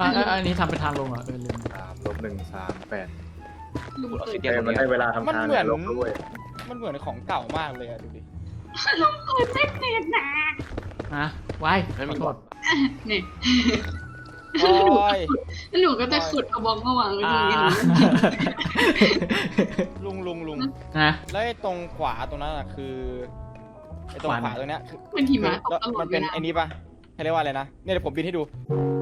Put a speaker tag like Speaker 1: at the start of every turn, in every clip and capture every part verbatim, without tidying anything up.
Speaker 1: อ่ะอันนี้ทำเป็นทางลงเหรอเออลืม
Speaker 2: สามลบหนึ่งสามแปด
Speaker 3: ลุง
Speaker 4: ออก
Speaker 3: เปิ
Speaker 4: ซิ
Speaker 3: ด
Speaker 4: เดียนตรง
Speaker 2: มัน
Speaker 4: นี้
Speaker 2: ได้เวลาทำ
Speaker 5: มัน
Speaker 2: ทาง
Speaker 5: เหมือน
Speaker 2: ลบด้วย
Speaker 5: มันเหมือนของเก่ามากเลยอะดูดิ
Speaker 3: ลุงเปิดไม่เป็นนะ
Speaker 1: ฮะไว้ขอโทษ
Speaker 3: นี่
Speaker 5: โอ้ย
Speaker 3: แล้วหนูก็จะขุดเอาบล็อกมาวางไว้ต
Speaker 1: อ่า
Speaker 3: รงนี้หนู
Speaker 5: ลุงลุงลุง
Speaker 1: นะ
Speaker 5: แล้วไอ้ตรงขวาตรงนั้นอะคือไอ้ตรง
Speaker 1: ขวา
Speaker 5: ขวาตรงเนี้ยคือ
Speaker 3: มันหิมะตก
Speaker 5: แล้ว
Speaker 3: ตลอ
Speaker 5: มั
Speaker 3: ด
Speaker 5: น
Speaker 3: เว
Speaker 5: เป็น
Speaker 3: ลา
Speaker 5: ไอ้นี้ปะให้เรียกว่าอะไรนะเนี่ยเดี๋ยวผมบินให้ดู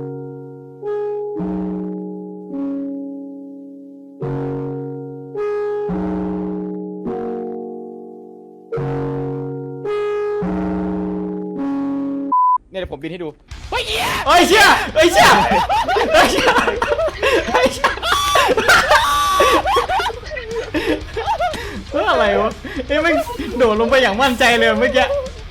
Speaker 5: เนี่ยเดี๋ยวผมบินให้ดูเฮ้ยเหี้ย
Speaker 1: เอ้ยเชี่ยเอ้ยเชี่ยเอ้ยเชี่ยเอ้ยเชี่ยเฮ้ยอะไรวะเอ้ยมันโดดลงไปอย่างมั่นใจเลยเมื่อกี้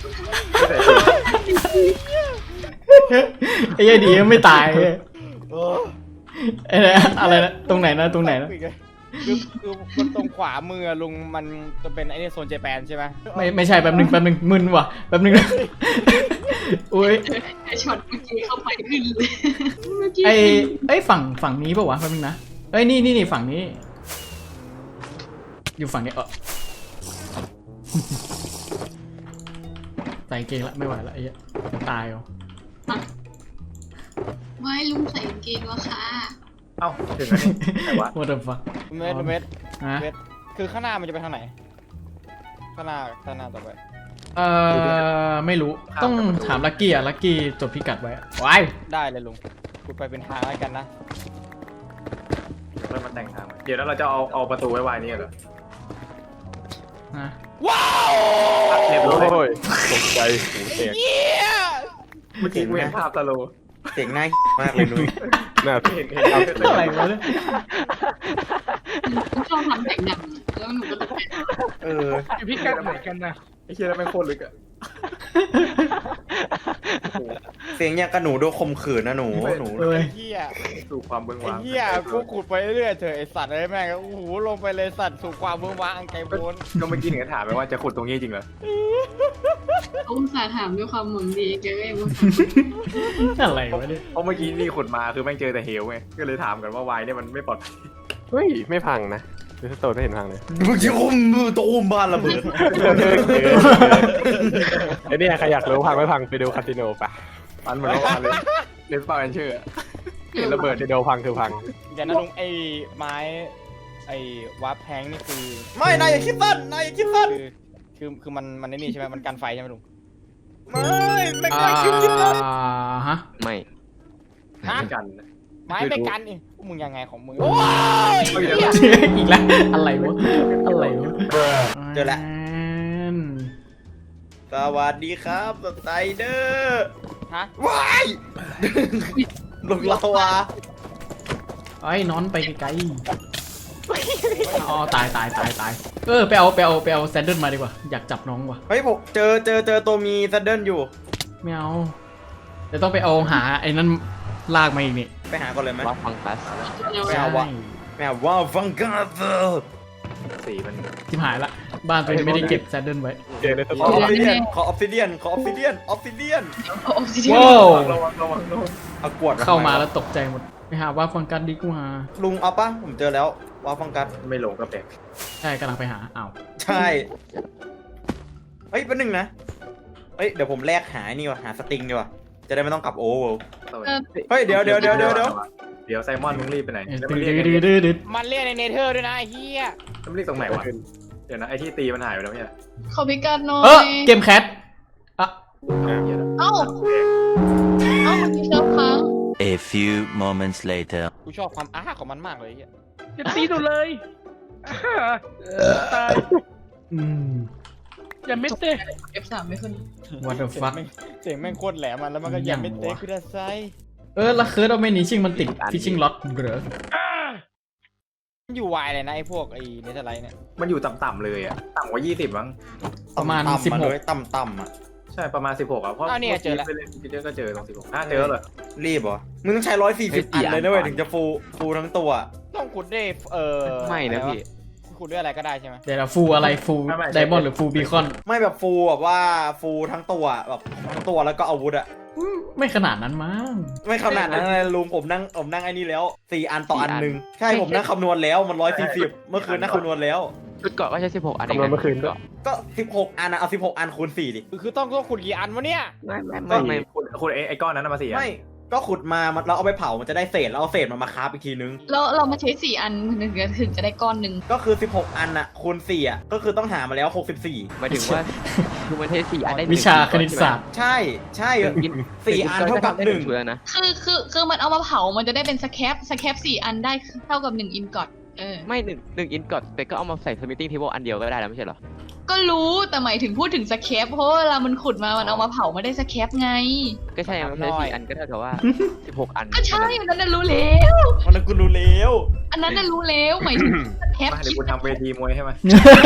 Speaker 1: ไอ้ยายดียังไม่ตายเลย
Speaker 5: เออ
Speaker 1: ไอ้เนี่ยอะไรนะตรงไหนนะตรงไหนนะ
Speaker 5: คือคือมันตรงขวามือลุงมันจะเป็นไอ้นี่โซนเจแปนใช่ไหม
Speaker 1: ไม่ไม่ใช่แป๊บนึงแป๊บนึงมึนว่ะแป๊บนึงนะอุ้ย
Speaker 3: ไอช็อตเมื่อกี้เข้าไปขึ้นเลยเมื่อกี้
Speaker 1: ไอ้ไอ้ยฝั่งฝั่งนี้ปะวะแป๊บนึงนะเอ้ยนี่นี่นี่ฝั่งนี้ อยู่ฝั่งนี้เออใส่เกงละไม่ไหวละไอ้เหี้ยตายเหรอ
Speaker 3: ไว้ลุงใส่กางเกงแล้วค่ะ
Speaker 2: เอ้าถึงแล้วนี่แต่ว่า
Speaker 1: What the fuck
Speaker 5: เมตรเมตร
Speaker 1: ฮะ
Speaker 5: เมตรคือข้างหน้ามันจะไปทางไหนข้างหน้าข้างหน้าต่อไป
Speaker 1: เอ่อไม่รู้ต้องถามลักกี้อะลักกี้จดพิกัดไว้อะว้าย
Speaker 5: ได้เลยลุงกูไปเป็นทางแล้วกันนะ
Speaker 2: เริ่มมาแต่งทางใหม่เดี๋ยวแล้วเราจะเอาเอาประตูไว้วายนี่เหรอ
Speaker 1: ฮะ
Speaker 5: ว้าว
Speaker 2: เรียบร้อย
Speaker 4: โอ้ยตกใจหูแตก
Speaker 5: เยี่ย
Speaker 2: เมื่อกี้กูเห็นภาพตะโล
Speaker 6: เสียงน่ามากเลยนุ้ย
Speaker 4: หน้า
Speaker 2: เห็นเห็นภาพ
Speaker 1: อะไรวะเนี่ย
Speaker 3: หนูชอบทำแต่งหนังแล้วหนูก็ตกใจ
Speaker 6: เออ
Speaker 2: อยู่พี่กันไหนกันนะไอ้เชี่ยแล้วแม่งโคตรลึกอะ
Speaker 6: เสียงอย่างกับหนูโดนข่มขืนนะหนูหนู
Speaker 1: เอ้ย
Speaker 5: เยี่ย
Speaker 2: สู่ความเบื้อง
Speaker 5: ไอ้
Speaker 2: ว้าง
Speaker 5: เหี้ยกูขุดไปเรื่อยๆเถอะไอสัตว์ไอ้แม่งโอ้โหลงไปเลยสัตว์สู่ความเบื้องว้างอันไกลโพ้น
Speaker 2: ก็เมื่อกี้หนึ่งถามไปว่าจะขุดตรงนี้จริงเหรอ
Speaker 3: เขาอุตส่าห์ถามด้วยความหวังดีแกก็ยังมา
Speaker 1: อะไรวะเนี่ย
Speaker 2: เพราะเมื่อกี้นี่ขุดมาคือแม่งเจอแต่เหวไงก็เลยถามกันว่าวายเนี่ยมันไม่ปลอดภัย
Speaker 4: เฮ้ยไม่พังนะดูสโตนไม่เห็นพังเลย
Speaker 6: มึงจะอุ้มมือตัวอุ้มบ้านระเบิด
Speaker 4: ไอ้เนี่ยใครอยากรู้พังไม่พังไปดูคาสิโนปะ
Speaker 2: ปันเหมือนว่าเลยเลนส์ปาแอนเชอร์เห็นระเบิด
Speaker 4: คาสิโนพังคือพัง
Speaker 5: เดี๋ยวนะลุงไอ้ไม้ไอ้วาร์ปแพงนี่คือ
Speaker 6: ไม่นายอย่าคิดสั้นนายอย่าคิดสั้น
Speaker 5: คือคือคือมันมันไอ้นี่ใช่ไหมมันกันไฟใช่ไหมลุง
Speaker 6: ไม่ไม่
Speaker 1: อ่า
Speaker 6: นายคิดคิดสั้น
Speaker 1: ฮะ
Speaker 4: ไม่
Speaker 5: ฮะ
Speaker 2: เหมือนกัน
Speaker 5: ไม้ไม่กันอีกมึงยังไงของมึงโอ้ย
Speaker 1: อีกแล้วอะไรวะอะไรวะ
Speaker 6: เจอละสวัสดีครับสไตเดอร์
Speaker 5: ฮะ
Speaker 6: ว้ายลงลาวา
Speaker 1: ไอ้ยนอนไปไกลๆอ๋อตายตายตายตายเออไปเอาไปเอาไปเอาแซนเดิลมาดีกว่าอยากจับน้องว่ะ
Speaker 6: เฮ้ยผมเจอเจอเจอตัวมีซัดเดิลอยู่
Speaker 1: ไม่เอาเดี๋ยวต้องไปเอาหาไอ้นั่นลากมาอีกนี่
Speaker 6: ไปหาก่อนเลยไหม
Speaker 4: ว่าฟังคัส
Speaker 6: ไม่เอาวะ แม่ว้าวฟังกาเซอร์
Speaker 2: สีมัน
Speaker 1: ชิบหายละบ้านตัวนี้ไม่ได้เก็บแซนเดิลไว้
Speaker 4: เจอในส
Speaker 6: ข
Speaker 4: โต
Speaker 6: อน ออฟซิเดียนขอออฟซิเดียนขอออฟซิเดียนออฟซิเดียน
Speaker 3: เอาออกซิเจน
Speaker 1: ว้าว
Speaker 2: ระวังระวังระวัง
Speaker 6: เอากวด
Speaker 1: เข้ามาแล้วตกใจหมดไปหาว่าฟังกันดีกว่า
Speaker 6: ลุงเอาปะผมเจอแล้วว้าวฟังกัส
Speaker 2: ไม่หลงก็แปลก
Speaker 1: ใช่กำลังไปหาอ้าว
Speaker 6: ใช่ เฮ้ยแป๊บนึงนะ เฮ้ยเดี๋ยวผมแลกหาไอ้นี่ว่ะหาสติงดีกว่าจะได้ไม่ต้องกลับโอเวอร์ เฮ้ยเดี๋ยวเดี๋ยวเดี๋ยวเดี๋ยวเดี๋ยว
Speaker 2: เดี๋ยวไซมอนมึงรีบไปไหน
Speaker 1: เออ
Speaker 2: แล้ว
Speaker 1: ดื
Speaker 2: มัน
Speaker 1: ด
Speaker 2: เรียก
Speaker 1: ดืดดืดดืด
Speaker 5: มันเรียกในเนเธอร์ด้วยนะไอ้เหี้ย
Speaker 2: มันเรียกตรงไหนวะเดี๋ยวนะไอที่ตีมันหายไปแล้วเนี่ย
Speaker 3: ขอพิกัดหน่อ
Speaker 1: เออย เกมแคทอ่ะ
Speaker 3: เอ้าเอ้ามันมีเซิร์ฟค้าง
Speaker 7: A few moments later.
Speaker 5: กูชอบความอ้าของมันมากเลยไอ้เหี้ย
Speaker 8: จะตีหนูเลยตาย
Speaker 1: อืม
Speaker 8: อย่าเม็ดเต้
Speaker 3: เอฟ สามไม่ขึ้น
Speaker 1: what the
Speaker 5: เสียง
Speaker 1: fuck
Speaker 5: แม่งเสียงแม่งโคตรแหลมมันแล้วมันก็ยังไม่เตะคือได้ไซ
Speaker 1: เออแล้วเคิร์ดเอาไม่หนีชิงมันติดฟิชชิงล็อตเหรอ
Speaker 5: มันอยู่วายเลยนะไอ้พวกไอ้เนเธอร์ไลท์เนี่ย
Speaker 2: มันอยู่ต่ำๆเลยอ่ะต่ำกว่ายี่สิบมั้ง
Speaker 1: ประมาณ
Speaker 6: ต่ำๆ
Speaker 1: สิบหก
Speaker 6: เลยต่ำต่ำๆอ่ะ
Speaker 2: ใช่ประมาณสิบหกอ่ะเพราะไปเล่นพิเตอร์ก็เจอตรงสิบหกอ่ะเจอเหรอ
Speaker 6: รีบเหรอ มึงต้องใช้ร้อยสี่สิบอันเลยนะเว้ยถึงจะฟูฟูทั้งตัว
Speaker 5: ต้องขุดด้วยเอ่อ
Speaker 4: ไม่นะพี่
Speaker 5: ขุดด้วยอะไรก็ได้ใช่ไหม
Speaker 1: เดี๋ยวเราฟูอะไรฟูไดมอนด์หรือฟูบีคอน
Speaker 6: ไม่แบบฟูแบบว่าฟูทั้งตัวแบบทั้งตัวแล้วก็อาวุธอะ
Speaker 1: ไม่ขนาดนั้นมั้ง
Speaker 6: ไม่ขนาดนั้นเลยลุงผมนั่งผมนั่งไอ้นี่แล้วสี่อันต่ออันหนึ่งใช่ผมนั่งคำนวณแล้วมันร้อยสี่สิบเมื่อคืนนั่งคำนวณแล้ว
Speaker 9: ชุดเกาะก็ใช้สิบหกอันเอง
Speaker 4: คำนวณเมื่อคืนด้วย
Speaker 6: ก็สิบหกอันนะเอาสิบหกอันคูณสี่ดิ
Speaker 5: คือต้องต้องขุดกี่อันวะเนี่ย
Speaker 9: ไม่ไม่ไม่ไม่
Speaker 2: คุณคุณไอ้ไอ้ก้อนนั้นนะมาสี่
Speaker 6: ไม่ก็ขุดมามันเราเอาไปเผามันจะได้เศษแล้วเอาเศษมันมาคราฟอีกทีนึง
Speaker 3: เราเรามาใช้สี่อันถึงจะถึงจะได้ก้อนหนึ่ง
Speaker 6: ก็คือสิบหกอันน่ะคูณสี่อ่ะก็คือต้องหามาแล้วหกสิบสี่
Speaker 9: หมายถึงว่าคือมันใช้สี่อันได้หนึ่ง
Speaker 1: วิชาคณิตศาสตร์
Speaker 6: ใช่ใช่
Speaker 9: กิน
Speaker 6: สี่อันเท่ากับหนึ่ง
Speaker 9: ชุดแล้วนะ
Speaker 3: คือคือคือมันเอามาเผามันจะได้เป็นสแคปสแคปสี่อันได้เท่ากับหนึ่งอินกอตเออ
Speaker 9: ไม่หนึ่งหนึ่งอินกอดแต่ก็เอามาใส่สมิ t ติ้งเทเบิลอันเดียวก็ได้แล้วไม่ใช่เหรอ
Speaker 3: ก็รู้แต่หมายถึงพูดถึงสแคปเพราะว่าเวลามันขุดมามันเอามาเผาไม่ได้สแคปไง
Speaker 9: ก็ใช่มันใช้สี่อันก็เท่ากับว่าสิบหกอัน
Speaker 3: ก็ใช่อันนั้นน่ะรู้แล้ว
Speaker 6: มันนั้นกูรู้แล้ว
Speaker 3: อันนั้นน่ะรู้แล้วหมายถึงสแคป
Speaker 2: มาเดี๋
Speaker 3: คิ
Speaker 2: ยว
Speaker 3: ด
Speaker 2: กูทำเวทีมวยให้มา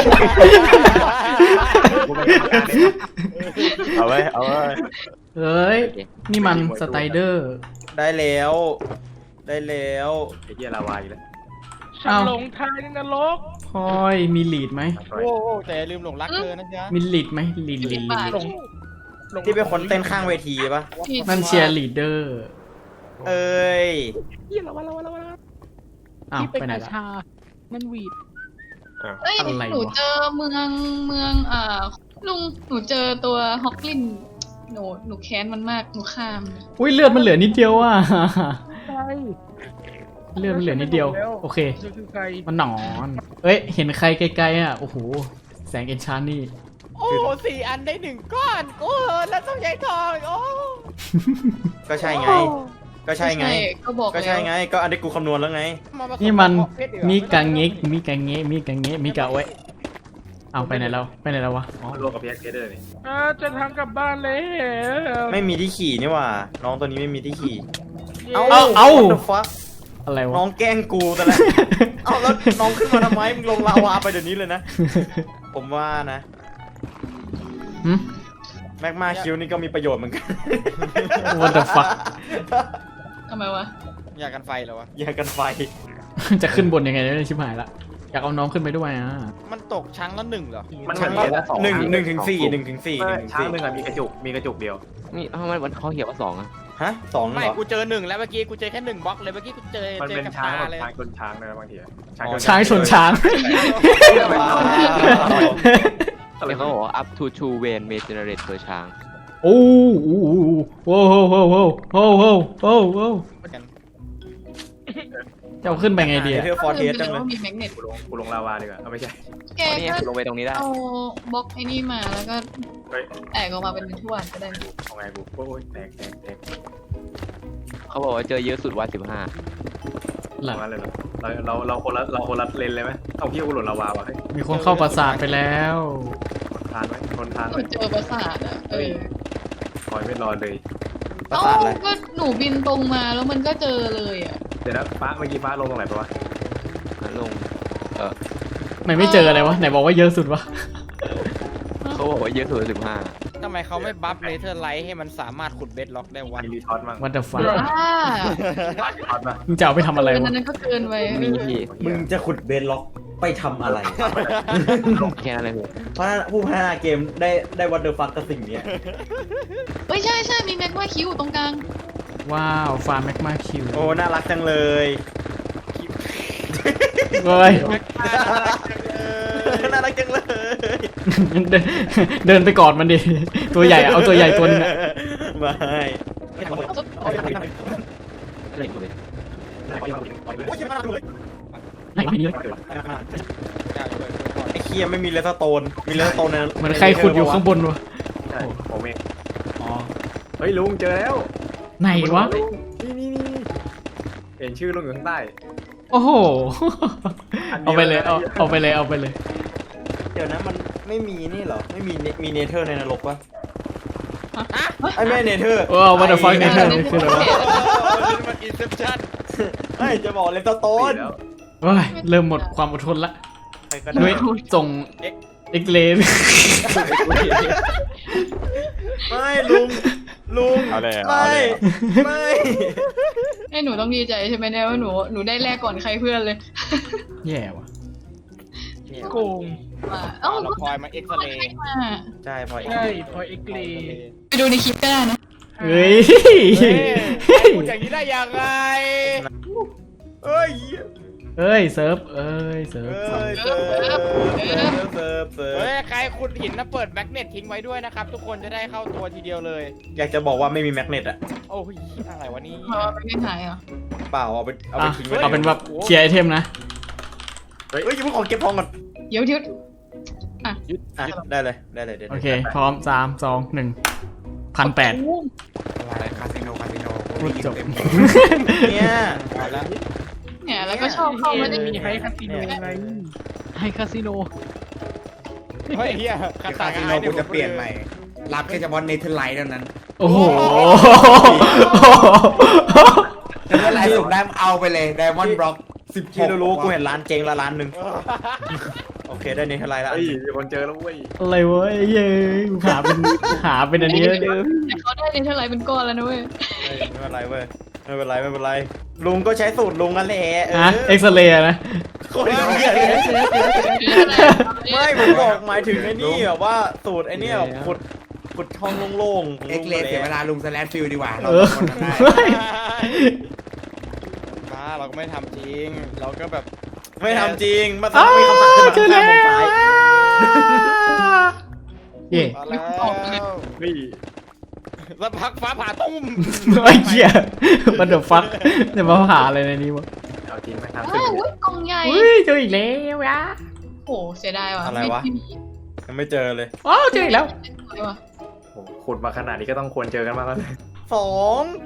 Speaker 2: กูเป็นกรรมการเอง
Speaker 4: เอาไว้เอาไว้
Speaker 1: เฮ้ย นี่มันสไตเดอร์
Speaker 6: ได้แล้ว ได้แล้ว
Speaker 2: ไอ้เหี้ยลาวาอีกแล้ว
Speaker 8: ฉันหลงทางในนรก
Speaker 1: พลอยมีลีดไหม
Speaker 5: โอ้โหแต่อย่าลืมหลงรักเธอนะจ๊ะ
Speaker 1: มีลีดไหมลีดลีดลีด
Speaker 8: หลงหลง
Speaker 6: ที่เป็นคนเต้นข้างเวทีปะ
Speaker 3: ผิด
Speaker 1: นั่นเชียร์ลีดเดอร์
Speaker 6: เอ้ย
Speaker 8: เหี้ยละวะละวะละวะ
Speaker 1: อ้าว
Speaker 8: ที่เป็น
Speaker 1: ไปไหน
Speaker 8: กระ
Speaker 1: ละ
Speaker 8: ชา มันหวีด
Speaker 3: เอ้ย
Speaker 1: อะไรวะ
Speaker 3: หนูเจอเมืองเมืองอ่าลุงหนูเจอตัวฮอกลินหนูหนูแค้นมันมากหนูข้าม
Speaker 1: อุ้ยเลือดมันเหลือนิดเดียวอ่ะ
Speaker 8: ใช่
Speaker 1: เลือดมันเหลือนิดเดียว โอเค
Speaker 8: จะคือใคร
Speaker 1: มันหนอน เอ้ย เห็นใครไกลๆอ่ะ โอ้โห แสงเอนชานนี่
Speaker 5: โอ้โหสี่อันได้หนึ่งก้อนโอ้แล้วต้องใช้ทองโอ้
Speaker 6: ก็ใช่ไง ก็ใช่ไง
Speaker 3: ก็บอก
Speaker 6: ก็ใช่
Speaker 3: แล้ว
Speaker 6: ไง ก็อันนี้กูคำนวณแล้วไง
Speaker 5: าผส
Speaker 1: นี่มัน
Speaker 5: กับเพชรดีกว่า
Speaker 1: มีกังเงกมีกังเงะมีกังเงะมีกะไว้เอาไปไหนแล้วไปไหนแล้ววะอ๋อ
Speaker 2: รวมกับพีเอสเดอร์นี่
Speaker 8: อ่าจะทางกลับบ้านแล้ว
Speaker 6: ไม่มีที่ขี่นี่หว่า น้องตัวนี้ไม่มีที่ขี่
Speaker 8: เอา
Speaker 1: เอาเอา
Speaker 6: what the fuck
Speaker 1: อะไรวะ
Speaker 6: น้องแกล้งกูแต่ละ เอาแล้วน้องขึ้นมาทำไมมึงลงลาวาไปเดี๋ยวนี้เลยนะ ผมว่านะ
Speaker 1: หึ
Speaker 6: แม็กมาคิวนี่ก็มีประโยชน์เหมือนกัน
Speaker 1: What the fuck
Speaker 3: ทำไมวะ
Speaker 5: อยากกันไฟเหรอวะ
Speaker 6: แยกกันไฟ
Speaker 1: จะขึ้นบนยังไงเนี่ยชิบหายละ อยากเอาน้องขึ้นไปด้วยอ่ะ
Speaker 5: มันตกชั้งละหนึ่งเหรอ
Speaker 2: มัน
Speaker 6: ชั้น
Speaker 2: เหมือน
Speaker 6: ละ
Speaker 2: สอง
Speaker 6: หนึ่งหนึ่งถึงสี่หนึ่งถึงสี่หนึ่งถึง
Speaker 2: ช้าง
Speaker 6: สี่
Speaker 2: หนึ่งอะมีกระจุกมีกระจุกเดียว
Speaker 9: นี่ทำไมมันเขาเขียนว่าสองอะ
Speaker 6: ฮะสอง
Speaker 5: ไม่
Speaker 6: เหรอ
Speaker 5: กูเจอหนึ่งแล้วเมื่อกี้กูเจอแค่หนึ่งบล็อกเลยเมื่อกี้กูเจอ
Speaker 2: มัน
Speaker 5: เจอ
Speaker 2: เป็น
Speaker 5: กับ
Speaker 2: ช้าง
Speaker 5: ตา
Speaker 2: แบบ
Speaker 5: เลย
Speaker 2: ช้างชนช้างนะบางทีอะ
Speaker 1: ช้างชนช้าง
Speaker 9: เนี่ยเขาบอกว่า up to two vein may generate per ช้าง
Speaker 1: โอ้โหโว้โหโว้โหโว้โหโว้โหจะเอาขึ้นไปไงดี
Speaker 6: เดี๋ย
Speaker 1: อะ
Speaker 6: วเธอฟอร์เทสจังเลย
Speaker 3: ว่ามีแมกเนต
Speaker 2: กูลงกูลงลาวาดีกว่าเอาไม่ใช่
Speaker 3: แก
Speaker 9: อ๋อนี่ไง
Speaker 3: ก็
Speaker 9: คุณลงไปตรงนี้ได้
Speaker 3: เอาบล็อกไอ้นี่มาแล้วก็
Speaker 2: เฮ้ย
Speaker 3: แตกออกมาเป็นถ้วยก็ได้
Speaker 2: เอาไงกูโอ้ยแตกแตกแตก
Speaker 9: เขาบอกว่าเจอเยอะสุดวันสิบห้า
Speaker 1: หลัง
Speaker 2: เอางั้นเลยเหรอเราเราเราคนละเราคนละเลนเลยไหมเอาพี่กูหล่นลาวาวะเฮ้ย
Speaker 1: มีคนเข้าปราสาทไปแล้ว
Speaker 2: ทานไหมทนทาน
Speaker 3: ห
Speaker 2: ไห
Speaker 3: นู
Speaker 2: ม
Speaker 3: เจอปราสาทอ่ะเออ
Speaker 2: คอยไม่รอเลย
Speaker 6: ประ
Speaker 3: เอ้า
Speaker 6: สาทอะไร
Speaker 3: ก็หนูบินตรงมาแล้วมันก็เจอเลยอ่ะ
Speaker 2: เดี๋ยวนะฟ้าเมื่อกี้ฟ้าลงตรงไหนปะวะ
Speaker 9: ลง
Speaker 1: ไหนไม่เจออะไรวะ ไหนบอกว่าเยอะสุดวะ
Speaker 9: เขาบอกว่าเยอะสุดสิบห้า
Speaker 5: ทำไมเขาไม่บัฟเลเทอร์ไลท์ให้มันสามารถขุดเบดล็อกได้วะ
Speaker 2: มีรีทอสมั้ง
Speaker 1: What the
Speaker 3: บ้า
Speaker 1: fuck
Speaker 2: รีทอสป่ะ
Speaker 1: มึงจะเอาไปทำอะไร
Speaker 3: อัน
Speaker 1: วะ
Speaker 3: นั้นก็เกินไป
Speaker 9: มีที่
Speaker 6: มึงจะขุดเบนล็อกไปทำอะไร
Speaker 9: แค่นั้นเลยพี่
Speaker 6: เพราะผู้พัฒนาเกมได้ได้วัตเดอร์ฟักกับสิ่งเนี้ย
Speaker 3: เอ้ยใช่ใช่มีแม็กว่าคิวตรงกลาง
Speaker 1: ว้าว ฟาร์มแมกมาคิว
Speaker 6: โอ้ น่ารักจังเลย
Speaker 1: เฮ้ย
Speaker 6: น่ารักจังเลย
Speaker 1: เดินเดินไปกอดมันดิ ตัวใหญ่อะเอาตัวใหญ่ตัวนึงอะ
Speaker 6: ไม่
Speaker 9: อะไรกูเลย
Speaker 1: ไหนไม่มีเลย
Speaker 6: ไอ้เคียไม่มีเลสโตน มีเลสโตนใน
Speaker 1: เหมือนใครขุดอยู่ข้างบนวะ
Speaker 2: ใช่ผมเอง
Speaker 1: อ๋อ
Speaker 2: เฮ้ยลุงเจอแล้ว
Speaker 1: ไหนวะ
Speaker 2: นี่นี่นี่เห็นชื่อลุงอยู่ข้างใต้
Speaker 1: โอ้โห
Speaker 2: อันเดียว
Speaker 1: เอาไปเลย เอาเอาไปเลย เอาไปเลย
Speaker 6: เดี๋ยวนะมันไม่มีนี่เหรอ ไม่มีเนมีเนเธอร์ในนรกปะไอ้แม่เนเธอร์
Speaker 1: ว้าว what the fuck เนี่ยคืออะไรวะ
Speaker 5: มันอินเซปชั่น
Speaker 6: ไอ้จะบอกเลสโต
Speaker 2: ปี
Speaker 6: น
Speaker 2: แล้ว
Speaker 1: เฮ้ยเริ่มหมดความอดทนละ
Speaker 6: ใครก็
Speaker 1: นุ้
Speaker 6: ได้
Speaker 1: ยส่งเอ็กเลน
Speaker 6: ไม่ลุง ลุง
Speaker 4: เอาเลยเอา
Speaker 6: ไม่
Speaker 4: เลย
Speaker 6: ไม่
Speaker 3: ให้หนูต้องดีใจใช่ไหมเนี่ยว่าหนูหนูได้แรกก่อนใครเพื่อนเลย
Speaker 1: แย่ว่ะ
Speaker 8: โกง
Speaker 3: ว่า
Speaker 5: เอา
Speaker 3: เอ้า
Speaker 5: เราพลอยมาเอ็กซเรย์
Speaker 3: มา
Speaker 6: ใช่พออีก
Speaker 8: ใช่พอเอ็กเล
Speaker 3: ไปดูในคลิปก็ได้นะ
Speaker 1: เฮ้ย
Speaker 5: เฮ้ยพูดอย่างนี้ได้ยังไง
Speaker 6: เอ้ย
Speaker 1: เอ้ยเซิร์ฟเอ้ยเซิร์ฟ
Speaker 6: เอ้ยเซิร์ฟเซิร์ฟเซิร์ฟเซิร์ฟ
Speaker 5: เฮ้ยใครขุดหินนะเปิดแมกเนตทิ้งไว้ด้วยนะครับ ทุกคนจะได้เข้าตัวทีเดียวเลย
Speaker 6: อยากจะบอกว่าไม่มีแมกเนตอะ
Speaker 5: โอ้ยอะไรวะนี่
Speaker 3: เอาไปไม่หายเหรอ
Speaker 6: เปล่าเอาไปเอาไป
Speaker 1: อ่ะ
Speaker 6: ทิ้งไว้
Speaker 1: เอาเป็นแบบเคลียร์ไอเทมนะ
Speaker 6: เฮ้ยเฮ้ยยังไม่ขอเก็บทองก่อน
Speaker 3: เดี๋ยวเดี๋ยว
Speaker 6: อ่ะได้เลยได้เลยเดี๋ยว
Speaker 1: โอเค พร้อมสามสองหนึ่งพันแปด
Speaker 10: อะไรคาสิโนคาสิโน
Speaker 1: พูดจบ
Speaker 6: เนี่ย
Speaker 5: มาแล้ว
Speaker 3: เนี่ยแล้วก็ชอบเข้ามาได้
Speaker 8: มีให้คาสิโนไง
Speaker 1: ให้คาสิโน
Speaker 5: เฮ้ยเฮีย
Speaker 10: คาสิโนกูจะเปลี่ยนใหม่ รับแค่เฉพาะเนเธอร์ไลท์เท่านั้น
Speaker 1: โอ้โห
Speaker 10: เนเธอร์ไลท์ส่งได้เอาไปเลยไดมอนด์บล็อกสิบห
Speaker 6: ที่
Speaker 10: ก
Speaker 6: รู้ๆกูเห็นร้านเจ๊งละร้านหนึ่งโอเคได้นี่เท่าไรละ
Speaker 2: เฮ้ยมีคนเจอแล้วเว้ย
Speaker 1: อะไรวะไอ้เย้ยกูหาเป็นหาเป็นอันนี้แล้วเนี่ย
Speaker 3: แต่เขาได้ในเท่าไหร่เป็นก้อนแล้วนะเว้ย
Speaker 6: เฮ้ยไม่เป็นไรเว้ยไม่เป็นไรไม่เป็นไรลุงก็ใช้สูตรลุงนั่นแหละเออ
Speaker 1: ฮะเอ็กซเรย์นะ
Speaker 6: โคตรเหี้ยเลยไม่ผมบอกหมายถึงไอ้นี่แบบว่าสูตรไอ้เนี่ยแบบขุดขุดช่องโล่งๆ
Speaker 10: เอ็กเลสเสียเวลาลุงสแลชฟิลดีกว่า เรา
Speaker 1: เออ
Speaker 10: คนทำได้
Speaker 5: มาเราก็ไม่ทำจริง เราก็แบบ
Speaker 6: ไม่ทำจริงมา
Speaker 1: อ้า
Speaker 6: ทำมีคำสั่งขึ้น
Speaker 1: วเจอ
Speaker 6: มา
Speaker 1: แล้ว
Speaker 6: ข้างซ้าย
Speaker 1: เย่
Speaker 5: มาแล้ว
Speaker 2: เฮ้ย
Speaker 5: สักพักฟ้าผ่าตุ้ม
Speaker 1: ไอ้เหี้ยมันเดือดฟักเดี๋ยวมาหาอะไรในนี้วะ
Speaker 2: เอาจริงไหมทางขึ้น
Speaker 3: อ้าว
Speaker 2: ไป
Speaker 3: อุ้ยกล่องใหญ่
Speaker 1: เฮ้ยเจออีกแล้วยะ
Speaker 3: โอ้เสียดายว่ะ
Speaker 6: อะไรวะ
Speaker 3: ม่มี
Speaker 6: ยังไม่เจอเลย
Speaker 1: อ๋อเจออีกแล้ว
Speaker 3: อะไรวะ
Speaker 2: โอ้โหขุดมาขนาดนี้ก็ต้องควรเจอกันมางแล้ว
Speaker 6: สอง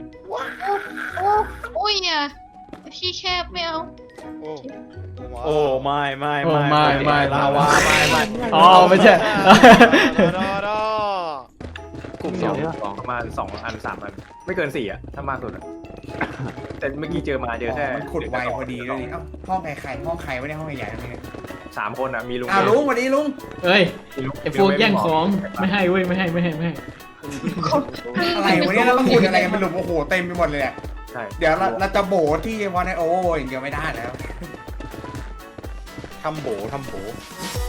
Speaker 3: โอ้ยอ่ะที่แคบไม่เอา
Speaker 5: โอ้
Speaker 6: โอ้ไม่ไม่
Speaker 1: โอ้ไม่ไม่
Speaker 6: ลาวาไม่ไม่
Speaker 1: อ๋อไม่ใช่
Speaker 5: ดอดอก
Speaker 2: ลุ่มสองประมาณสองอันสามอัน ไม่เกินสี่อ่ะ ถ้ามากสุดอ่ะ แต่เมื่อกี้เจอมาเจอแค่
Speaker 10: มันขุดไวพอดีด้วยนี่เอ้าห้องใครใครห้องใครไม่ได้ห้องใหญ่ๆนั่นเอง
Speaker 2: สามคนอ่ะ มีลุง
Speaker 10: อ้าวลุงสวัสดีลุง
Speaker 1: เอ้ย
Speaker 2: มีลุง
Speaker 1: ไอ้พวกแย่งของไม่ให้เว้ยไม่ให้ไม่ให้ไม่ให้
Speaker 10: อะไรวันนี้เราต้องขุดอะไรกันเป็นหลุมโอ้โหเต็มไปหมดเลยอะ
Speaker 2: ใช่
Speaker 10: เดี๋ยวเราเราจะโบดที่วันในโอเวอร์อย่างเดียวไม่ได้แล้ว
Speaker 6: ทำโบทำโบ